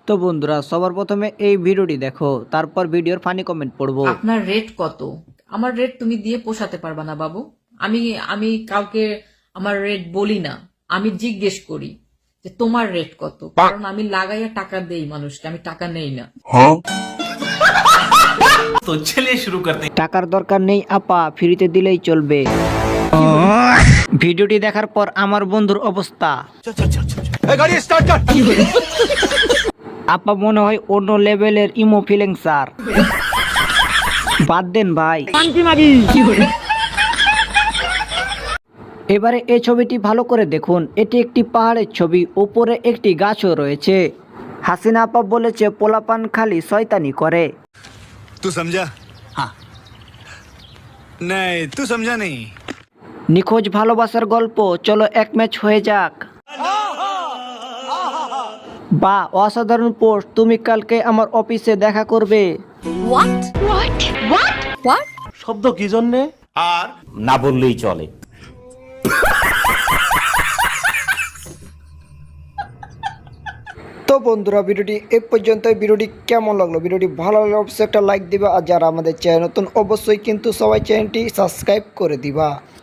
তো বন্ধুরা সবার প্রথমে এই ভিডিওটি দেখো, তারপর ভিডিওর ফানি কমেন্ট পড়বো। আপনার রেট কত? আমার রেট তুমি দিয়ে পোষাতে পারবা না বাবু। আমি আমি কাউকে আমার রেট বলি না, আমি জিজ্ঞেস করি যে তোমার রেট কত, কারণ আমি লাগাইয়া টাকা দেই মানুষকে, আমি টাকা নেই না। तो चलिए शुरू करते हैं। টাকার দরকার নেই আপা, ফ্রিতে দিলেই চলবে। ভিডিওটি দেখার পর আমার বন্ধুর অবস্থা, আপা মনে হয় অন্য লেভেলের ইমো ফিলিং স্যার। বাদ দেন ভাই। এবারে এই ছবিটি ভালো করে দেখুন, এটি একটি পাহাড়ের ছবি, উপরে একটি গাছও রয়েছে। হাসিনা আপা বলেছে পোলাপান খালি শয়তানি করে। तू समझा? हाँ। नहीं, तू समझा नहीं। নিখোঁজ ভালোবাসার গল্প, চলো এক ম্যাচ হয়ে যাক। বা অসাধারণ পোস্ট, তুমি কালকে আমার অফিসে দেখা করবে। শব্দ কি জন্যে আর না বললেই চলে। তো বন্ধুরা ভিডিওটি এ পর্যন্ত। ভিডিওটি কেমন লাগলো? ভিডিওটি ভালো লাগলে অবশ্যই একটা লাইক দিবা, আর যারা আমাদের চ্যানেল নতুন অবশ্যই কিন্তু সবাই চ্যানেলটি সাবস্ক্রাইব করে দিবা।